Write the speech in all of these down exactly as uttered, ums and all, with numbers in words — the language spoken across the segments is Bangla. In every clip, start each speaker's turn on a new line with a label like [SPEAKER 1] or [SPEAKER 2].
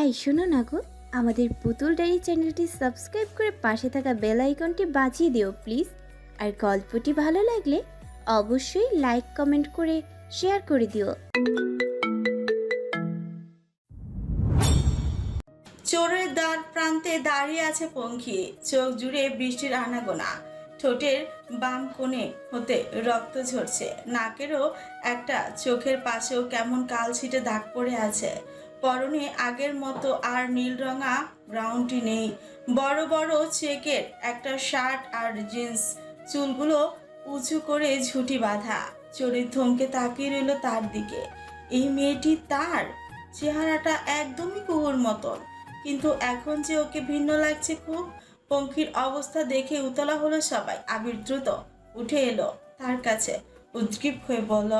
[SPEAKER 1] এই শোনো না গো, আমাদের পুতুল ডায়েরি চ্যানেলটি সাবস্ক্রাইব করে পাশে থাকা বেল আইকনটি বাজিয়ে দিও প্লিজ। আর গল্পটি ভালো লাগলে অবশ্যই লাইক কমেন্ট করে শেয়ার করে দিও।
[SPEAKER 2] চোরের দ্বার প্রান্তে দাঁড়িয়ে আছে পঙ্খী, চোখ জুড়ে বৃষ্টির আনাগোনা। ঠোঁটের বাম কোণে হতে রক্ত ঝরছে, নাকেরও একটা চোখের পাশেও কেমন কালছিটে দাগ পড়ে আছে। পরনে আগের মতো আর নীল রঙা ব্রাউনটি নেই, বড় বড় চেকের একটা শার্ট আর জিন্স, চুলগুলো উঁচু করে ঝুঁটি বাঁধা। চোরের থমকে তাকিয়ে রইল তার দিকে। এই মেয়েটি তার চেহারাটা একদমই কুকুর মতন, কিন্তু এখন যে ওকে ভিন্ন লাগছে খুব। পঙ্খির অবস্থা দেখে উতলা হলো সবাই। আবির দ্রুত উঠে এলো তার কাছে, উদ্গ্রীব হয়ে বলল,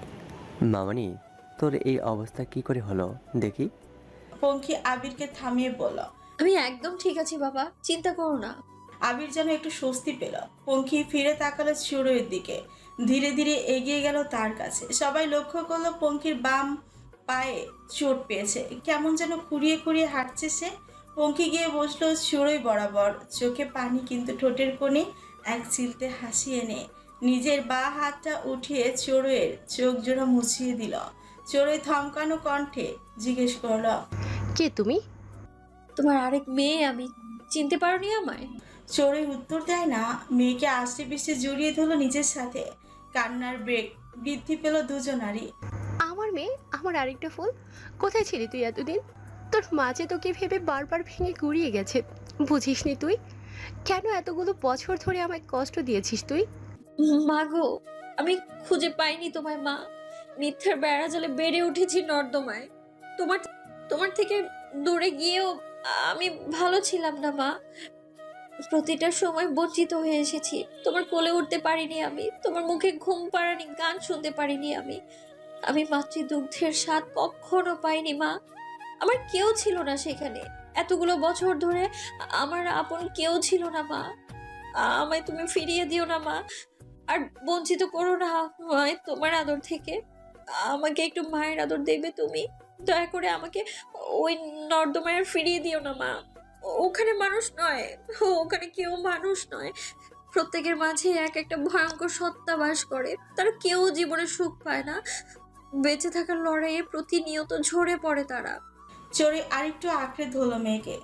[SPEAKER 3] মামনি, তোর এই অবস্থা কি করে হলো দেখি।
[SPEAKER 2] পঙ্খি আবিরকে থামিয়ে বলল,
[SPEAKER 4] আমি একদম ঠিক আছি বাবা, চিন্তা করো না।
[SPEAKER 2] আবির যেন একটু স্বস্তি পেল। পঙ্খি ফিরে তাকালো চোরের দিকে, ধীরে ধীরে এগিয়ে গেল তার কাছে। সবাই লক্ষ্য করলো পঙ্খির বাম পায়ে চোট পেয়েছে, কেমন যেন খুঁড়িয়ে খুঁড়িয়ে হাঁটছে সে। পঙ্খি গিয়ে বসলো চোরই বরাবর, চোখে পানি কিন্তু ঠোঁটের কোণে এক চিলতে হাসি এনে নিজের বা হাতটা উঠিয়ে চোরের চোখ জোড়া মুছিয়ে দিল। চোরে থমকানো কণ্ঠে জিজ্ঞেস করলো,
[SPEAKER 5] কে তুমি?
[SPEAKER 4] তোমার আরেক মেয়ে আমি, চিনতে পারোনি আমায়?
[SPEAKER 2] চোরে উত্তর দেয় না, মেয়েকে আষ্টে পিষ্টে জড়িয়ে ধরলো নিজের সাথে। কান্নার ব্রেক বৃদ্ধি পেল দুজনারই।
[SPEAKER 5] আমার মেয়ে, আমার আরেকটা ফুল। কোথায় ছিলি তুই এতদিন? তোর মাঝে তোকে ভেবে বারবার ভেঙে গুড়িয়ে গেছে, বুঝিসনি তুই? কেন এতগুলো বছর ধরে আমায় কষ্ট দিয়েছিস তুই?
[SPEAKER 4] মা গো, আমি খুঁজে পাইনি তোমায় মা। মিথ্যার বেড়া জালে বেড়ে উঠেছি নর্দমায়। তোমার তোমার থেকে দূরে গিয়েও আমি ভালো ছিলাম না মা। প্রতিটা সময় বঞ্চিত হয়ে এসেছি। তোমার কোলে উঠতে পারিনি আমি, তোমার মুখে ঘুম পাড়ানি গান শুনতে পারিনি আমি। আমি মাতৃদুগ্ধের স্বাদ কখনো পাইনি মা। আমার কেউ ছিল না সেখানে। এতগুলো বছর ধরে আমার আপন কেউ ছিল না মা। আমায় তুমি ফিরিয়ে দিও না মা, আর বঞ্চিত করো না আমায় তোমার আদর থেকে। আমাকে একটু মায়ের আদর দেবে তুমি, দয়া করে আমাকে ওই নর্দমায় আর ফিরিয়ে দিও না মা। ওখানে মানুষ নয়, ওখানে কেউ মানুষ নয়। প্রত্যেকের মাঝে এক একটা ভয়ঙ্কর সত্তা বাস করে, তারা কেউ জীবনে সুখ পায় না। বেঁচে থাকার লড়াইয়ে প্রতিনিয়ত ঝরে পড়ে তারা।
[SPEAKER 2] চোরে আরেকটু আঁকড়ে ধরলো মেয়েকে।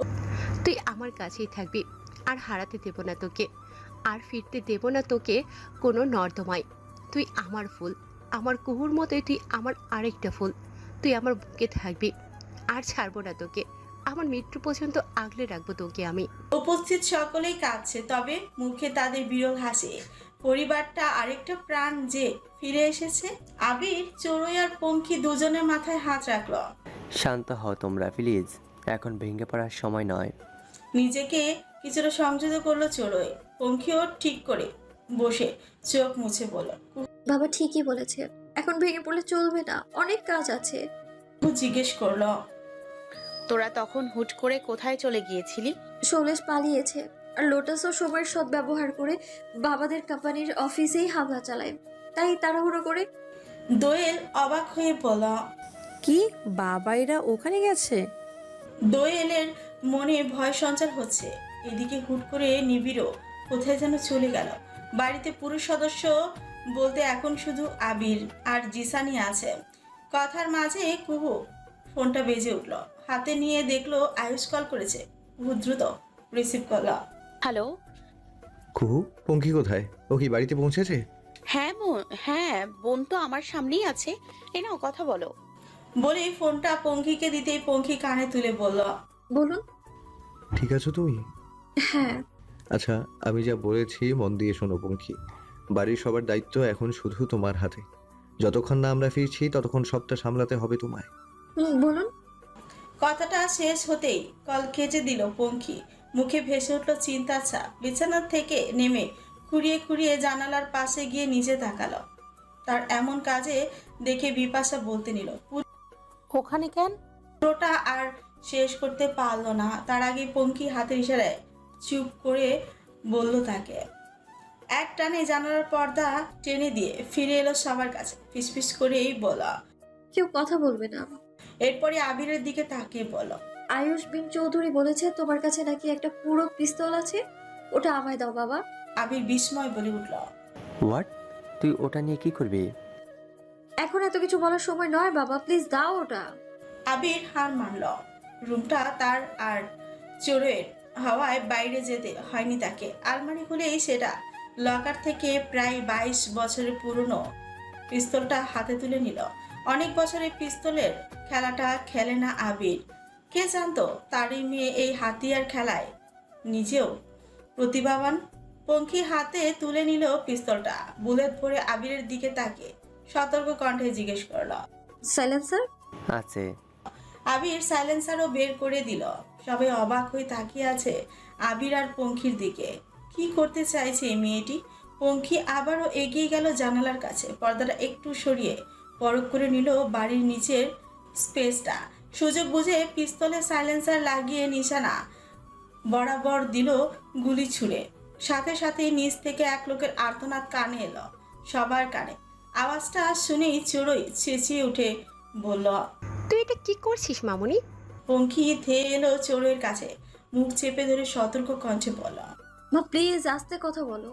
[SPEAKER 5] তুই আমার কাছেই থাকবি, আর হারাতে দেব না তোকে, আর ফিরতে দেব না তোকে কোনো নর্দমায়। তুই আমার ফুল, আমার কুহুর মতোই তুই আমার আরেকটা ফুল। তুই আমার বুকে থাকবি, আর ছাড়বো না তোকে। আমার মৃত্যু পর্যন্ত আগলে রাখবো তোকে আমি।
[SPEAKER 2] উপস্থিত সকলেই কাঁদছে, তবে মুখে তাদের বিরল হাসি। পরিবারটা আরেকটা প্রাণ যে ফিরে এসেছে। আবির, চোরই আর পঙ্খি দুজনের মাথায় হাত রাখলো।
[SPEAKER 3] শান্ত হও তোমরা প্লিজ, এখন ভেঙে পড়ার সময় নয়।
[SPEAKER 2] নিজেকে কিছুটা সংযত করলো চোরই। পঙ্খিও ঠিক করে বসে চোখ মুছে বলল,
[SPEAKER 4] বাবা ঠিকই বলেছে, এখন ভেঙে পড়লে চলবে না, অনেক কাজ আছে।
[SPEAKER 2] জিজ্ঞেস করলো,
[SPEAKER 6] তোরা তখন হুট করে কোথায় চলে গিয়েছিলি?
[SPEAKER 4] শৈলেশ পালিয়েছে, আর লোটাসও সময়ের সদ্ব্যবহার করে বাবাদের কোম্পানির অফিসেই হামলা চালায়, তাই তাড়াহুড়ো করে।
[SPEAKER 2] দোয়েল অবাক হয়ে বলল,
[SPEAKER 7] কি বাবা এরা ওখানে গেছে?
[SPEAKER 2] দোয়েলের মনে ভয় সঞ্চার হচ্ছে। এদিকে হুট করে নিবিড়ও কোথায় যেন চলে গেল। বাড়িতে পুরুষ সদস্য বলতে এখন শুধু আবির আর জিসানি আছে। কথার মাঝে কুহু ফোনটা বেজে উঠল, হাতে নিয়ে দেখলো আয়ুষ কল করেছে। কুহু দ্রুত রিসিভ করলো।
[SPEAKER 6] হ্যালো।
[SPEAKER 8] কুহু, পঙ্খী কোথায়? ও কি বাড়িতে পৌঁছেছে?
[SPEAKER 6] হ্যাঁ বোন, হ্যাঁ বোন তো আমার সামনেই আছে, এ নাও কথা বলো।
[SPEAKER 2] বলেই ফোনটা পঙ্খিকে দিতেই পঙ্খি কানে তুলে বলল,
[SPEAKER 4] বলুন।
[SPEAKER 8] ঠিক আছো তুমি?
[SPEAKER 4] হ্যাঁ।
[SPEAKER 8] আচ্ছা, আমি যা বলেছি মন দিয়ে শোনো পঙ্খী। বাড়ির সবার দায়িত্ব এখন শুধু তোমার হাতে। যতক্ষণ না আমরা ফিরছি ততক্ষণ সবটা সামলাতে হবে তোমায়।
[SPEAKER 4] হুম, বলুন।
[SPEAKER 2] কথাটা শেষ হতেই কল কেটে দিল পঙ্খি। মুখে ভেসে উঠল চিন্তার ছাপ। বিছানার থেকে নেমে খুঁড়িয়ে খুঁড়িয়ে জানালার পাশে গিয়ে নিচে তাকালো। তার এমন কাজে দেখে বিপাশা বলতে নিল,
[SPEAKER 6] ওখানে কেন?
[SPEAKER 2] পুরোটা আর শেষ করতে পারলো না, তার আগে পঙ্খি হাতের ইশারায় চুপ করে বলল তাকে। এক টানে জানালার পর্দা টেনে দিয়ে ফিরে এলো সবার কাছে, ফিসফিস করেই বলা,
[SPEAKER 4] কেউ কথা বলবে না।
[SPEAKER 2] এরপরে আবিরের দিকে তাকিয়ে বলল,
[SPEAKER 4] আয়ুষ বিন চৌধুরী বলেছে তোমার কাছে নাকি একটা পুরো পিস্তল আছে, ওটা আমায় দাও বাবা।
[SPEAKER 2] আবির বিস্ময় বলে উঠল,
[SPEAKER 3] হোয়াট? তুই ওটা নিয়ে কি করবি?
[SPEAKER 4] এখন এত কিছু বলার সময় নয় বাবা, প্লিজ দাও ওটা।
[SPEAKER 2] আবির হার মানল। রুমটা তার আর চোরের হাওয়ায় বাইরে যেতে হয়নি তাকে। আলমারি খুলেই সেটা লকার থেকে প্রায় বাইশ বছরের পুরনো পিস্তলটা হাতে তুলে নিল। অনেক বছরের পিস্তলের খেলাটা খেলে না আবির। কে জানতো তারই মেয়ে এই হাতিয়ার খেলায় নিজেও প্রতিভাবান। পঙ্খী হাতে তুলে নিল পিস্তলটা। বুলেট ভরে আবিরের দিকে তাকে সতর্ক কণ্ঠে জিজ্ঞেস করল,
[SPEAKER 4] সাইলেন্সার?
[SPEAKER 3] আছে।
[SPEAKER 2] আবির সাইলেন্সারও বের করে দিল। সবাই অবাক হয়ে তাকিয়ে আছে আবির আর পঙ্খির দিকে। কি করতে চাইছে এই মেয়েটি? পঙ্খী আবারও এগিয়ে গেল জানালার কাছে। পর্দাটা একটু সরিয়ে পরখ করে নিল বাড়ির নিচের স্পেসটা। সুযোগ বুঝে পিস্তলে সাইলেন্সার লাগিয়ে নিশানা বরাবর দিল গুলি ছুড়ে। সাথে সাথে নিচ থেকে এক লোকের আর্তনাদ কানে এলো, সবার কানে। আওয়াজটা শুনেই চড়ই চেঁচিয়ে উঠে বলল,
[SPEAKER 5] তুই এটা কি করছিস মামুনি?
[SPEAKER 2] পঙ্খী ধেয়ে এলো চোরের কাছে, মুখ চেপে ধরে সতর্ক কণ্ঠে বলল।
[SPEAKER 4] মা প্লিজ আস্তে কথা বলো।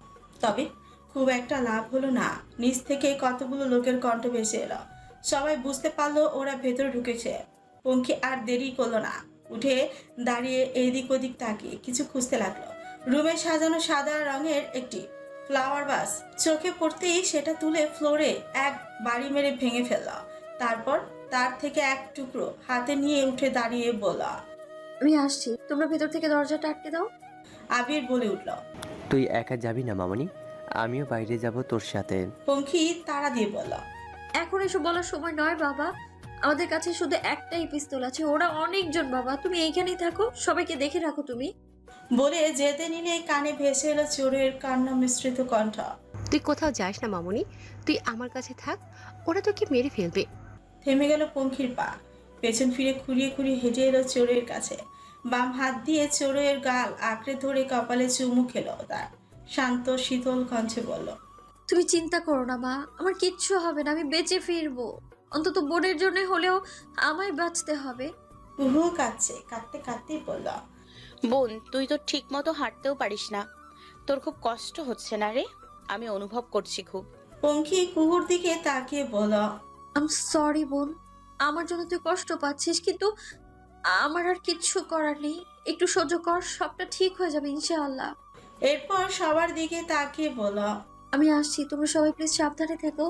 [SPEAKER 2] তবে খুব একটা লাভ হলো না। নিচ থেকে কতগুলো লোকের কণ্ঠ ভেসে এলো। সবাই বুঝতে পারলো ওরা ভেতরে ঢুকেছে। পঙ্খী আর দেরি করলো না, উঠে দাঁড়িয়ে এদিক ওদিক তাকিয়ে কিছু খুঁজতে লাগলো। রুমে সাজানো সাদা রঙের একটি ফ্লাওয়ার ভাস চোখে পড়তেই সেটা তুলে ফ্লোরে এক বাড়ি মেরে ভেঙে ফেলল। তারপর তার থেকে এক টুকরো হাতে নিয়ে উঠে দাঁড়িয়ে বলল,
[SPEAKER 4] আমি আসছি, তোমরা ভেতর থেকে দরজাটা আটকে দাও।
[SPEAKER 2] আবির বলে উঠল।
[SPEAKER 3] তুই একা যাবি না মামনি, আমিও বাইরে যাব তোর সাথে।
[SPEAKER 2] পঙ্খী তাড়া দিয়ে বলল,
[SPEAKER 4] এখন এসব বলার সময় নয় বাবা, আমাদের কাছে শুধু একটাই পিস্তল আছে, ওরা অনেকজন বাবা, তুমি এইখানেই থাকো, সবাইকে দেখে রাখো তুমি।
[SPEAKER 2] বলে যেতে নিলে কানে ভেসে এলো চোরের কান্না মিশ্রিত কণ্ঠ।
[SPEAKER 5] তুই কোথাও যাস না মামুনি, তুই আমার কাছে থাক, ওরা তোকে মেরে ফেলবে।
[SPEAKER 2] থেমে গেল পঙ্খির পা। পেছন ফিরে খুঁড়িয়ে খুঁড়িয়ে হেঁটে এলো চোরের কাছে। বাম হাত দিয়ে চোরের গাল আঁকড়ে ধরে কপালে চুমু খেলো তার। শান্ত শীতল কণ্ঠে বলল,
[SPEAKER 4] তুমি চিন্তা করো না মা, আমার কিচ্ছু হবে না, আমি বেঁচে ফিরবো। অন্তত বোনের জন্য হলেও আমায় বাঁচতে হবে।
[SPEAKER 2] কুহু কাঁদছে, কাঁদতে কাঁদতেই বলল,
[SPEAKER 6] বোন, তুই তো ঠিক মতো হাঁটতেও পারিস না, তোর খুব কষ্ট হচ্ছে না রে? আমি অনুভব করছি খুব।
[SPEAKER 2] পঙ্খী কুহুর দিকে তাকিয়ে বলল,
[SPEAKER 4] আম সরি বোন, আমার জন্য তুই কষ্ট পাচ্ছিস, কিন্তু আমার আর কিচ্ছু করার নেই, একটু সহ্য কর, সবটা ঠিক হয়ে যাবে ইনশাআল্লাহ।
[SPEAKER 2] এরপর সবার দিকে তাকিয়ে বলল,
[SPEAKER 4] আমি আসছি, তোমরা সবাই প্লিজ সাবধানে থেকো।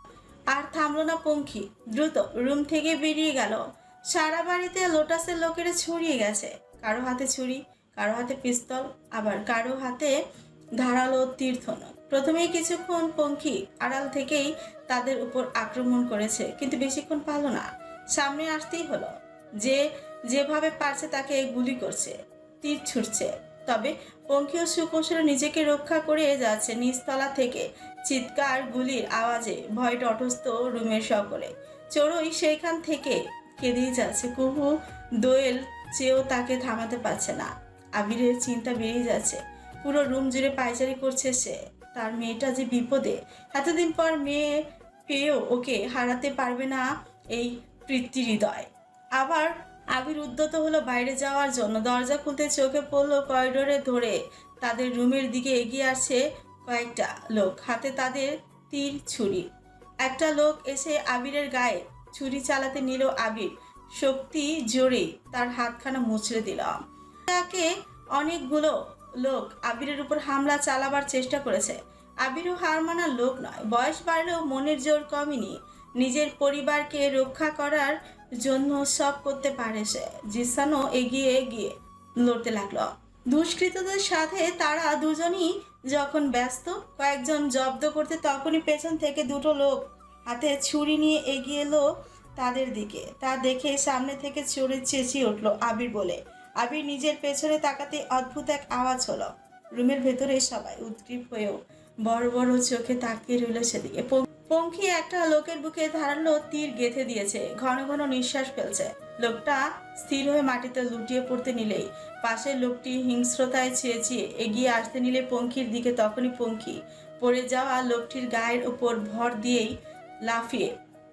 [SPEAKER 2] আর থামলো না পঙ্খী, দ্রুত রুম থেকে বেরিয়ে গেল। সারা বাড়িতে লোটাসের লোকেরা ছড়িয়ে গেছে। কারো হাতে ছুরি, কারো হাতে পিস্তল, আবার কারো হাতে ধারালো তীর্থনক। প্রথমেই কিছুক্ষণ পঙ্খী আড়াল থেকেই তাদের উপর আক্রমণ করেছে, কিন্তু বেশিক্ষণ পারল না। সামনে আসতেই হলো। যে যেভাবে পারছে তাকে গুলি করছে, তীর ছুটছে। তবে পঙ্খীও সুকৌশলে নিজেকে রক্ষা করে যাচ্ছে। নিচতলা থেকে চিৎকার গুলির আওয়াজে ভয় তটস্থ রুমের সকলে। চড়ুই সেইখান থেকে কেঁদেই যাচ্ছে। কুহু দোয়েল চেয়েও তাকে থামাতে পারছে না। আবিরের চিন্তা বেড়ে যাচ্ছে। পুরো রুম জুড়ে পায়চারি করছে সে। তার মেয়েটা যে বিপদে, এতদিন পর মেয়ে পেয়েও ওকে হারাতে পারবে না এই প্রীতি হৃদয়। আবার আবির উদ্যত হলো বাইরে যাওয়ার জন্য। দরজা খুলতে চোখে পড়লো করিডোরে ধরে তাদের রুমের দিকে এগিয়ে আসছে কয়েকটা লোক, হাতে তাদের তীর ছুরি। একটা লোক এসে আবিরের গায়ে ছুরি চালাতে নিল। আবির শক্তি জোরে তার হাতখানা মুচড়ে দিল। তাকে অনেকগুলো লোক আবিরের উপর হামলা চালাবার চেষ্টা করেছে। আবিরও হার মানার লোক নয়। বয়স বাড়লেও মনের জোর কমেনি। নিজের পরিবারকে রক্ষা করার জন্য সব করতে পারে সে। জিসানও এগিয়ে গিয়ে লড়তে লাগলো দুষ্কৃতদের সাথে। তারা দুজনই যখন ব্যস্ত কয়েকজন জব্দ করতে, তখনই পেছন থেকে দুটো লোক হাতে ছুরি নিয়ে এগিয়ে এলো তাদের দিকে। তা দেখে সামনে থেকে চড়ে চেঁচিয়ে উঠল আবির বলে। আবির নিজের পেছনে তাকাতে অদ্ভুত এক আওয়াজ হলো। রুমের ভেতরে সবাই উদ্গ্রীব হয়েও বড় বড় চোখে তাকিয়ে রইল সেদিকে। পঙ্খী একটা লোকের বুকে ধারালো তীর গেঁথে দিয়েছে, ঘন ঘন নিঃশ্বাস ফেলছে। লোকটা স্থির হয়ে মাটিতে লুটিয়ে পড়তে নিলেই পাশের লোকটি হিংস্রতায় চেঁচিয়ে এগিয়ে আসতে নিলে পঙ্খীর দিকে, তখনই পঙ্খী পড়ে যাওয়া লোকটির গায়ের উপর ভর দিয়েই লাফিয়ে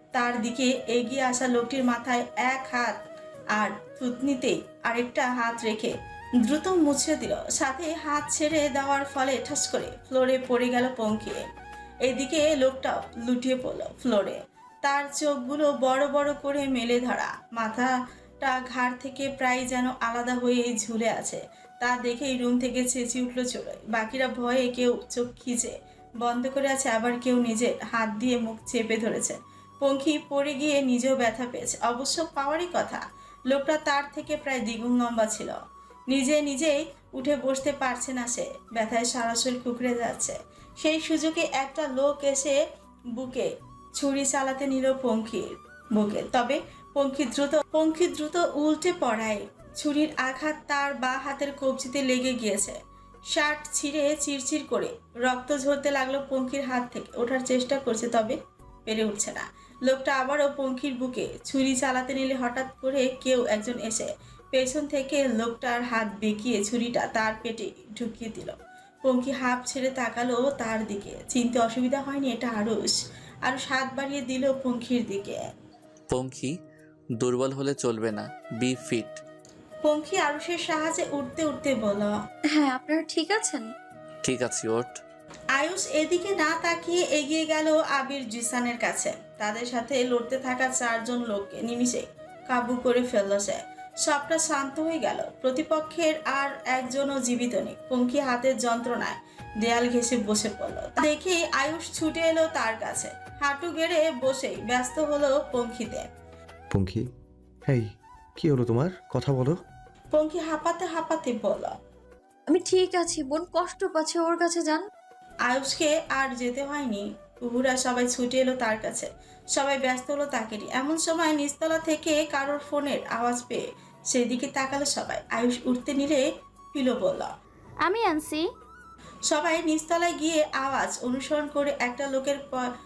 [SPEAKER 2] তার দিকে এগিয়ে আসা লোকটির মাথায় এক হাত আর থুতনিতেই আরেকটা হাত রেখে দ্রুত মুছে দিল। সাথে হাত ছেড়ে দেওয়ার ফলে ঠাস করে ফ্লোরে পড়ে গেল পঙ্খী। এদিকে লোকটাও লুটিয়ে পড়ল ফ্লোরে। তার চোখগুলো বড় বড় করে মেলে ধরা, মাথাটা ঘাড় থেকে প্রায় যেন আলাদা হয়ে ঝুলে আছে। তা দেখেই রুম থেকে চেঁচিয়ে উঠল চড়োই। বাকিরা ভয়ে কেউ চোখ খিচে বন্ধ করে আছে, আবার কেউ নিজের হাত দিয়ে মুখ চেপে ধরেছে। পঙ্খী পড়ে গিয়ে নিজেও ব্যথা পেয়েছে, অবশ্য পাওয়ারই কথা। লোকটা তার থেকে প্রায় দ্বিগুণ লম্বা ছিল। নিজে নিজেই উঠে বসতে পারছে না সে, ব্যথায় সারা শরীর কুকড়ে যাচ্ছে। সেই সুযোগে একটা লোক এসে বুকে ছুরি চালাতে নিল পঙ্খির বুকে। তবে পঙ্খী দ্রুত পঙ্খী দ্রুত উল্টে পড়ায় ছুরির আঘাত তার বা হাতের কবজিতে লেগে গিয়েছে। শার্ট ছিঁড়ে চিরচির করে রক্ত ঝরতে লাগলো পঙ্খির হাত থেকে। ওঠার চেষ্টা করছে, তবে পেরে উঠছে না। লোকটা আবারও পঙ্খির বুকে ছুরি চালাতে নিলে হঠাৎ করে কেউ একজন এসে পেছন থেকে লোকটার হাত বেঁকিয়ে ছুরিটা তার পেটে ঢুকিয়ে দিল। পঙ্খী হাঁপ ছেড়ে তাকালো তার দিকে। চিনতে অসুবিধা হয়নি, এটা আরুষ। আরুষ হাত বাড়িয়ে দিল পঙ্খির দিকে।
[SPEAKER 9] পঙ্খী, দুর্বল হলে চলবে না, বি ফিট।
[SPEAKER 2] পঙ্খী আরুষের সাহায্যে উঠতে উঠতে বলল,
[SPEAKER 4] হ্যাঁ, আপনারা ঠিক আছেন?
[SPEAKER 9] ঠিক আছে, ওঠ।
[SPEAKER 2] আয়ুষ এদিকে না তাকিয়ে এগিয়ে গেল আবির জিসানের কাছে। তাদের সাথে লড়তে থাকা চারজন লোককে নিমিষে কাবু করে ফেলল সে। সবটা শান্ত হয়ে গেল। প্রতিপক্ষের আর একজনও জীবিত নেই। পঙ্খী হাতের যন্ত্রণায় দেয়াল ঘেঁষে বসে পড়ল। দেখে আয়ুষ ছুটে এলো তার কাছে। হাঁটু গেড়ে বসেই ব্যস্ত হলো পঙ্খিতে।
[SPEAKER 8] পঙ্খী, এই কি হলো তোমার? কথা বলো।
[SPEAKER 2] পঙ্খী হাঁপাতে হাঁপাতে বলল,
[SPEAKER 4] আমি ঠিক আছি, বোন কষ্ট পাচ্ছে, ওর কাছে যান।
[SPEAKER 2] আয়ুষকে আর যেতে হয়নি। কুহুরা সবাই ছুটে এলো তার কাছে। সবাই ব্যস্ত হলো তাকেরই। এমন সময় নিচতলা থেকে কারোর ফোনের আওয়াজ পেয়ে সেদিকে তাকালো সবাই। আয়ুষ উঠতে নিলে পিলো বলল,
[SPEAKER 1] আমি আনছি।
[SPEAKER 2] সবাই নিচতলায় গিয়ে আওয়াজ অনুসরণ করে একটা লোকের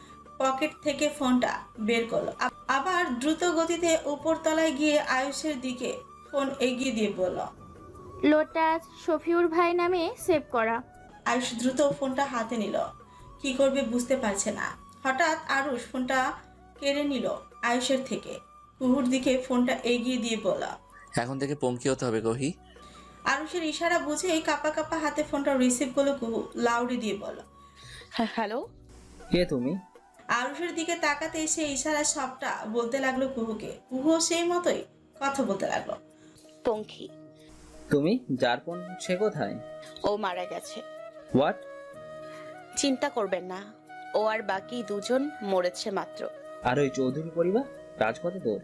[SPEAKER 2] পকেট থেকে ফোনটা বের করলো। আ- আবার দ্রুত গতিতে উপরতলায় গিয়ে আয়ুষের দিকে ফোন এগিয়ে দিয়ে বলল,
[SPEAKER 1] লোটাস শফিউর ভাই নামে সেভ করা।
[SPEAKER 2] আয়ুষ দ্রুত ফোনটা হাতে নিল। কি করবে বুঝতে পারছে না। হঠাৎ আরুষ ফোনটা কেড়ে নিল আয়ুষের থেকে। কুহুর দিকে ফোনটা এগিয়ে দিয়ে বলল,
[SPEAKER 9] এখন থেকে পঙ্খী হতে হবে কহি।
[SPEAKER 2] আরুষের ইশারা বুঝেই কাপা কাপা হাতে ফোনটা রিসিভ করলো কুহু। লাউডে দিয়ে বলল,
[SPEAKER 6] হ্যাঁ, হ্যালো।
[SPEAKER 10] কে তুমি?
[SPEAKER 2] আরুষের দিকে তাকাতে এসে ইশারা সবটা বলতে লাগলো কুহুকে। কুহু সেই মতোই কথা বলতে লাগলো।
[SPEAKER 6] পঙ্খী।
[SPEAKER 10] তুমি? যারপন সে কোথায়?
[SPEAKER 6] ও মারা গেছে।
[SPEAKER 10] হোয়াট?
[SPEAKER 6] চিন্তা করবেন না, ও আর বাকি দুজন মরেছে মাত্র।
[SPEAKER 10] আর ওই চৌধুরী পরিবার? রাজপথে তোর?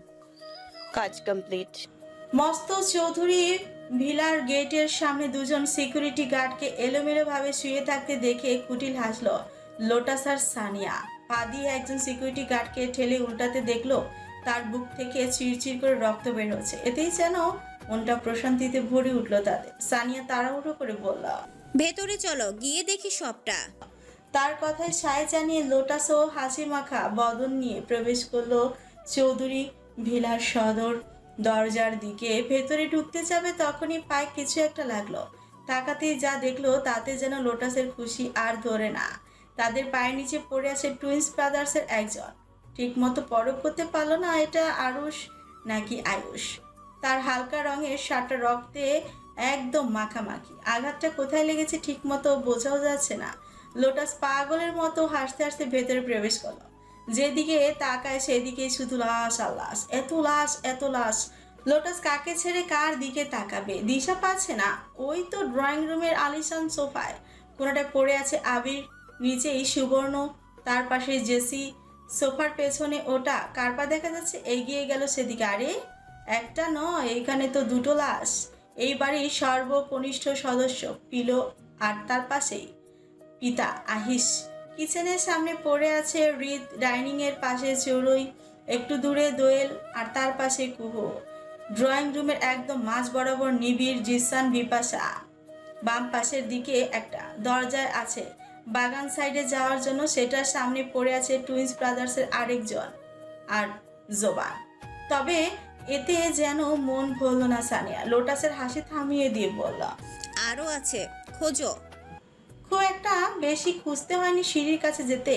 [SPEAKER 6] কাজ কমপ্লিট।
[SPEAKER 2] মস্ত চৌধুরী ভিলার গেটের সামনে দুজন সিকিউরিটি গার্ডকে এলোমেলো ভাবে শুয়ে থাকতে দেখে কুটিল হাসলো লোটাস আর সানিয়া। পা দিয়ে একজন সিকিউরিটি গার্ডকে ঠেলে উল্টাতে দেখলো তার বুক থেকে চিরচির করে রক্ত বের হচ্ছে। এতেই যেন মনটা প্রশান্তিতে ভরে উঠলো তাদের। সানিয়া তাড়াহুড়ো করে বলল,
[SPEAKER 11] ভেতরে চলো, গিয়ে দেখি সবটা।
[SPEAKER 2] তার কথায় সায় জানিয়ে লোটাস ও হাসি মাখা বদন নিয়ে প্রবেশ করলো চৌধুরী ভিলার সদর দরজার দিকে। ভেতরে ঢুকতে যাবে তখনই পায়ে কিছু একটা লাগলো। তাকাতেই যা দেখলো তাতে যেন লোটাসের খুশি আর ধরে না। তাদের পায়ের নিচে পড়ে আছে টুইন্স ব্রাদার্সের একজন। ঠিক মতো পরখ করতে পারলো না এটা আরুষ নাকি আয়ুষ। তার হালকা রঙের শার্টটা রক্তে একদম মাখামাখি। আঘাতটা কোথায় লেগেছে ঠিক মতো বোঝাও যাচ্ছে না। লোটাস পাগলের মতো হাসতে হাসতে ভেতরে প্রবেশ করলো। যেদিকে তাকায় সেদিকে শুধু লাশ আর লাশ, এত লাশ এত লাশ। লোটাস কাকে ছেড়ে কার দিকে তাকাবে দিশা পাচ্ছে না। ওই তো ড্রয়িং রুমের আলিশান সোফায় কোনোটা পড়ে আছে আবির, নিচেই সুবর্ণ, তার পাশে জেসি, সোফার পেছনে ওটা কারপা দেখা যাচ্ছে। এগিয়ে গেল সেদিকে। আরে একটা নয়, এখানে তো দুটো লাশ। এই বাড়ির সর্বকনিষ্ঠ সদস্য পিলো, আর তার পাশেই পিতা আহিস। কিচেনের সামনে পড়ে আছে হৃদ, ডাইনিং এর পাশে চড়ুই, একটু দূরে দোয়েল, আর তার পাশে কুহু। ড্রয়িং রুমের একদম মাঝ বরাবর নিবিড়, জিসান, বিপাশা। বাম পাশের দিকে একটা দরজায় আছে বাগান সাইডে যাওয়ার জন্য, সেটার সামনে পড়ে আছে টুইন্স ব্রাদার্সের আরেকজন আর জোবান। তবে এতে যেন মন ভরল না সানিয়া। লোটাসের হাসি থামিয়ে দিয়ে বলল,
[SPEAKER 11] আরো আছে, খোঁজো।
[SPEAKER 2] খুব একটা বেশি খুঁজতে হয়নি। সিঁড়ির কাছে যেতেই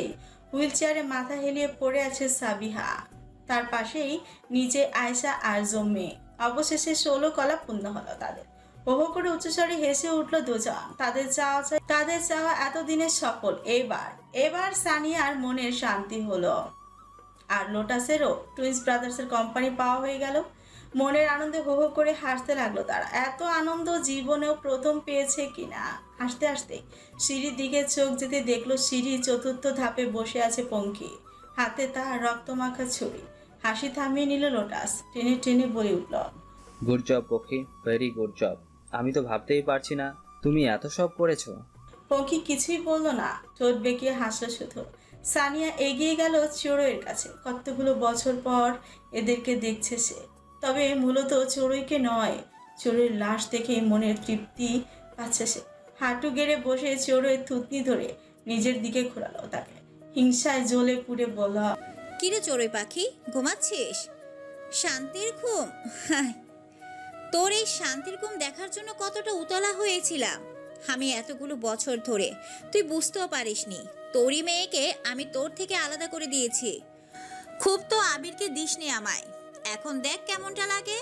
[SPEAKER 2] হুইল চেয়ারে মাথা হেলিয়ে পড়ে আছে সাবিহা। তার পাশেই নিচে আয়শা আর জম্মে। অবশেষে ষোলো কলা পূর্ণ হলো তাদের। হো হো করে উচ্চস্বরে হেসে উঠল দুজন। তাদের চাওয়া তাদের চাওয়া এতদিনের সফল। এবার এবার সানিয়ার মনের শান্তি হলো। আর লোটাসেরও টুইন্স ব্রাদার্সের কোম্পানি পাওয়া হয়ে গেল। মনের আনন্দে হো হো করে হাসতে লাগলো তারা। এত আনন্দ জীবনেও প্রথম পেয়েছে কিনা। হাসতে হাসতে সিঁড়ির দিকে চোখ যেতে দেখলো সিঁড়ির চতুর্থ ধাপে বসে আছে পঙ্খী, হাতে তার রক্তমাখা ছুরি। হাসি থামিয়ে নিল লোটাস, টেনে টেনে বলে উঠল,
[SPEAKER 10] গুড জব পক্ষী, ভেরি গুড জব। আমি তো ভাবতেই পারছি না তুমি এত সব করেছো।
[SPEAKER 2] পঙ্খী কিছুই বলল না, ঠোঁট বেঁকিয়ে হাসলো শুধু। সানিয়া এগিয়ে গেল চড়ুইয়ের কাছে। কতগুলো বছর পর এদেরকে দেখছে সে, তবে মূলত চড়ুইকে নয়, চড়ুইয়ের লাশ দেখে মনের তৃপ্তি পাচ্ছে সে। হাঁটু গেড়ে বসে চড়ুইয়ের থুতনি ধরে নিজের দিকে ঘোরালো তাকে। হিংসায় জ্বলে পুড়ে বলল,
[SPEAKER 11] কিরে চড়ুই পাখি, ঘুমাচ্ছিস? শান্তির ঘুম? হায়, তোর এই শান্তির ঘুম দেখার জন্য কতটা উতলা হয়েছিলাম আমি এতগুলো বছর ধরে, তুই বুঝতেও পারিসনি। তোরই মেয়েকে আমি তোর থেকে আলাদা করে দিয়েছি। খুব তো আবিরকে দিসনি আমায়, এখন দেখ কেমনটা লাগে।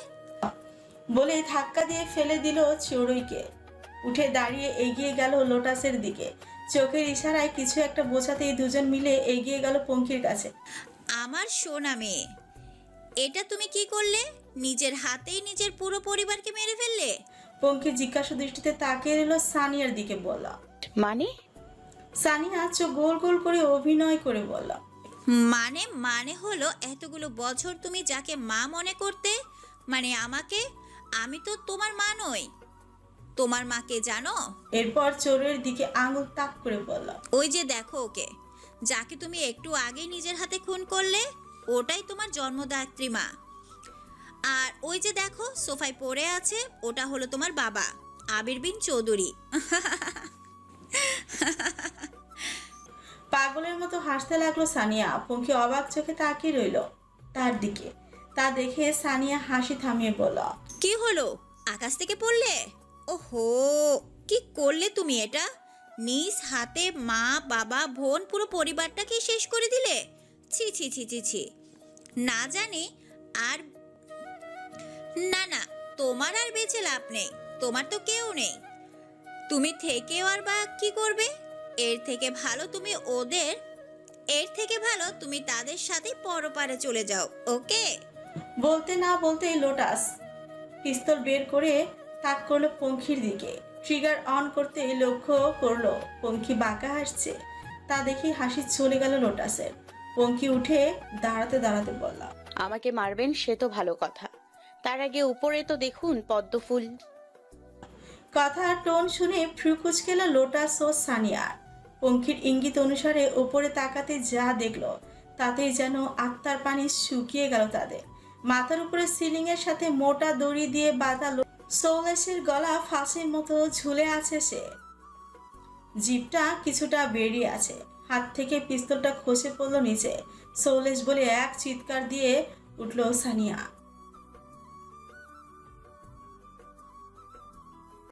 [SPEAKER 2] বলে ধাক্কা দিয়ে ফেলে দিল চড়ুইকে। উঠে দাঁড়িয়ে এগিয়ে গেল লোটাসের দিকে। চোখের ইশারায় কিছু একটা বোঝাতেই দুজন মিলে এগিয়ে গেল পঙ্খির কাছে।
[SPEAKER 11] আমার সোনা মেয়ে, এটা তুমি কি করলে? নিজের হাতেই নিজের পুরো পরিবারকে মেরে ফেললে।
[SPEAKER 2] পঙ্খি জিজ্ঞাসা দৃষ্টিতে তাকিয়ে রইল সানিয়ার দিকে। বলল,
[SPEAKER 6] মানে?
[SPEAKER 2] সানিয়া চোখ গোল গোল করে অভিনয় করে বলল,
[SPEAKER 11] মানে মানে হলো এতগুলো বছর তুমি যাকে মা মনে করতে, মানে আমাকে, আমি তো তোমার মা নই। তোমার মাকে জানো?
[SPEAKER 2] এরপর চোরের দিকে আঙুল তাক করে বলল,
[SPEAKER 11] ওই যে দেখো ওকে, যাকে তুমি একটু আগেই নিজের হাতে খুন করলে, ওটাই তোমার জন্মদাত্রী মা। আর ওই যে দেখো সোফায় পড়ে আছে, ওটা হলো তোমার বাবা আবির বিন চৌধুরী।
[SPEAKER 2] পাগলের মতো হাসতে লাগলো সানিয়া। পঙ্খি অবাক চোখে তাকিয়ে রইল তার দিকে। তা দেখে সানিয়া হাসি থামিয়ে বলল,
[SPEAKER 11] কি হলো, আকাশ থেকে পড়লে? ওহো, কি করলে তুমি এটা? নিজ হাতে মা বাবা বোন পুরো পরিবারটাকে শেষ করে দিলে। ছি ছি ছি ছি ছি। না জানি আর না না, তোমার আর বেঁচে লাভ নেই, তোমার তো কেউ নেই। তুমি থেকেও আর বা কি করবে? এর থেকে ভালো তুমি ওদের এর থেকে ভালো তুমি তাদের সাথে পরপারে চলে যাও, ওকে?
[SPEAKER 2] বলতে না বলতেই লোটাস পিস্তল বের করে তাক করলো পঙ্খির দিকে। ট্রিগার অন করতে লক্ষ্য করলো পঙ্খি বাঁকা হাসছে। তা দেখে হাসি চলে গেল লোটাসের। পঙ্খি উঠে দাঁড়াতে দাঁড়াতে বলল,
[SPEAKER 6] আমাকে মারবেন সে তো ভালো কথা, তার আগে উপরে তো দেখুন পদ্মফুল।
[SPEAKER 2] কথার টোন শুনে ফ্রু কুচকেল লোটাস ও সানিয়ার। পঙ্খির ইঙ্গিত অনুসারে উপরে তাকাতে যা দেখলো তাতেই যেন আত্মার পানি শুকিয়ে গেল তাদের। মাথার উপরে সিলিং এর সাথে মোটা দড়ি দিয়ে বাঁধা সৌলেশের গলা ফাঁসির মতো ঝুলে আছে সে। জিভটা কিছুটা বেরিয়ে আছে। হাত থেকে পিস্তলটা খসে পড়লো নিচে। সৌলেশ বলে এক চিৎকার দিয়ে উঠল সানিয়া।